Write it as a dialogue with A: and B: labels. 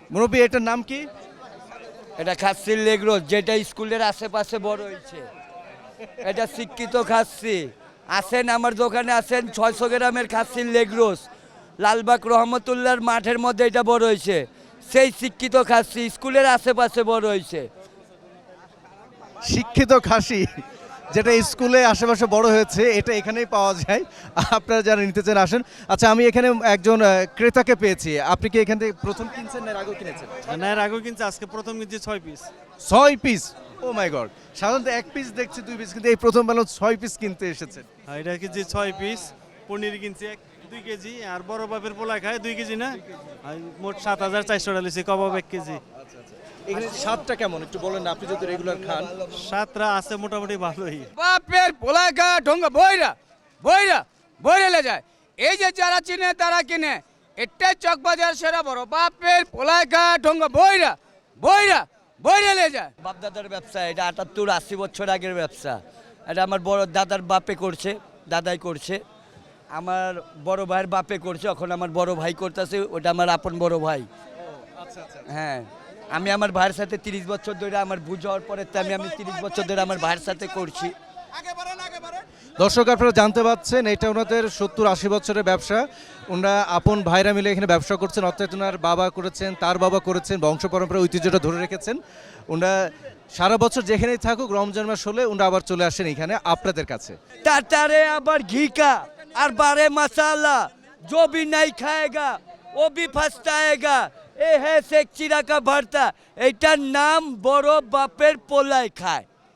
A: মুরব্বী এটার নাম কি?
B: এটা খাসির লেগ রোস্ট, যেটা স্কুলের আশেপাশে বড় হয়েছে। এটা শিক্ষিত খাসি। আসেন আমার দোকানে, আসেন। 600 গ্রামের খাসির লেগ রোস্ট, লালবাগ রহমতুল্লাহর মাঠের মধ্যে এটা বড় হয়েছে। সেই শিক্ষিত খাসি স্কুলের আশেপাশে বড় হয়েছে।
A: শিক্ষিত খাসি যেটা স্কুলে আশেপাশে বড় হয়েছে, এটা এখানেই পাওয়া যায়। আপনারা যারা নিতে চান আসেন। আচ্ছা, আমি এখানে একজন ক্রেতাকে পেয়েছি। আপনি কি এখান থেকে প্রথম কিনছেন না এর আগেও কিনেছেন?
C: না, এর আগেও কিনছে, আজকে প্রথম কিনছি 6 piece.
A: 6 piece? Oh my god, সাধারণত 1 পিস দেখছি, 2 পিস, কিন্তু এই প্রথম বেলা 6 পিস কিনতে এসেছেন।
C: এটা কিনছি 6 পিস। পনির কিনছি 2 কেজি, আর বড় বাপের পোলা খায় 2 কেজি না, আর মোট 7400 টাকা লিছি। কবাব 1 কেজি।
A: এখানে স্বাদটা কেমন একটু বলেন না, আপনি যদি রেগুলার খান।
C: সাতটা আছে মোটামুটি ভালোই।
D: বাপের পোলায় খা ঢঙ্গা বইরা বইরা বইরেলে যায়। এই যে যারা চিনে তারা কিনে, এটাই চকবাজার সেরা বড়। বাপের পোলায় খা ঢঙ্গা বইরা বইরা বইরেলে যায়।
B: বাপদাদার ব্যবসা, এটা 78-80 বছর আগের ব্যবসা। এটা আমার বড় দাদার বাপে করছে, দাদাই করছে। আমার বড় ভাইয়ের বাপে করছে, এখন আমার বড় ভাই করতেছে। ওটা আমার আপন বড় ভাই। হ্যাঁ, আমি আমার ভাইয়ের সাথে 30 বছর ধরে, আমার বুঝ হওয়ার পরে তো আমি 30 বছর ধরে আমার ভাইয়ের সাথে করছি।
A: দর্শক, আপনারা জানতে পাচ্ছেন এটা ওনাদের 70-80 বছরের ব্যবসা। ওনারা আপন ভাইরা মিলে এখানে ব্যবসা করছেন। অর্থাৎ ওনার বাবা করেছেন, তার বাবা করেছেন, বংশ পরম্পরা ঐতিহ্যটা ধরে রেখেছেন। ওনারা সারা বছর যেখানেই থাকুক, রমজান মাস হলে ওনারা আবার চলে আসেন এখানে আপনাদের কাছে।
B: तारे आबर घी का और बारे मसाला, जो भी नहीं खाएगा वो भी फंसताएगा। ए है शेख चिरा का भरता, एटार नाम बड़ो बापेर पोलाय खाय।